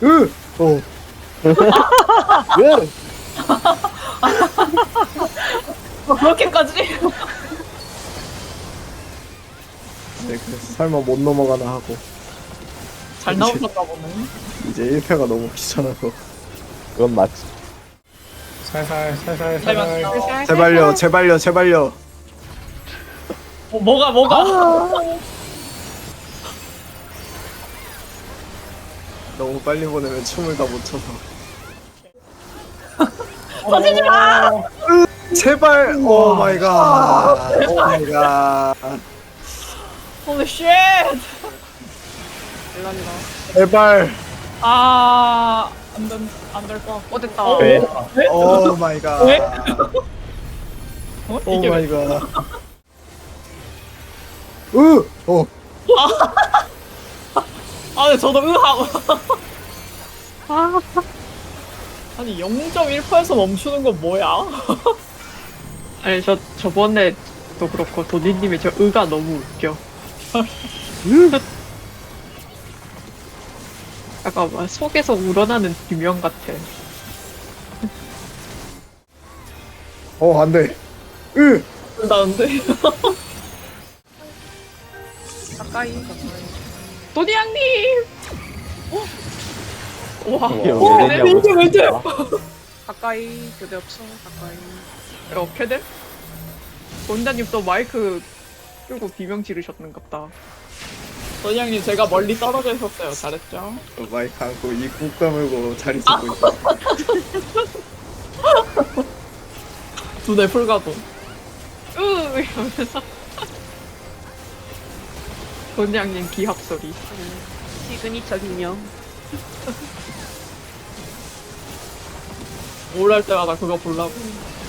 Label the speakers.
Speaker 1: 어. 왜?
Speaker 2: 그렇게까지?
Speaker 1: 네, 그래서 설마 못 넘어가나 하고
Speaker 2: 잘 나오셨나 보네.
Speaker 1: 이제 1패가 너무 귀찮아서
Speaker 3: 그건 맞지.
Speaker 4: 살살
Speaker 2: 잘 맞다.
Speaker 1: 제발요 제발요 제발요.
Speaker 2: 뭐가?
Speaker 1: 너무 빨리 보내면 춤을 다 못 춰서.
Speaker 2: 터지지 마!
Speaker 1: 제발. 오 마이 갓. 오 마이 갓.
Speaker 2: 홀리 쉣!
Speaker 1: 제발.
Speaker 2: 안될 거.
Speaker 5: 됐다.
Speaker 3: 왜?
Speaker 1: 오 마이 갓.
Speaker 2: 왜?
Speaker 1: 오
Speaker 2: 이게
Speaker 1: 마이
Speaker 2: 왜?
Speaker 1: 갓. 어.
Speaker 2: 근데 저도 하고. 아니 0.1%에서 멈추는 건 뭐야?
Speaker 5: 아니 저번에도 그렇고 도니님이 저 의가 너무 웃겨. 약간 막 속에서 우러나는 비명 같아.
Speaker 1: 안돼.
Speaker 2: 나는데.
Speaker 5: 가까이. 도니 양님. 와.
Speaker 2: 왜 이래?
Speaker 5: 가까이 교대 없어. 가까이. 이렇게 돼? 원장님 또 마이크 끌고 비명 지르셨는갑다.
Speaker 2: 도니양님 제가 멀리 떨어져 있었어요. 잘했죠?
Speaker 1: 마이크 안고 입국 다물고 자리 잡고 있어.
Speaker 2: 두뇌 풀가도.
Speaker 5: 이러면서. 원장님 기합 소리. 시그니처 비명.
Speaker 2: 뭘 할 때마다 그거 보려고.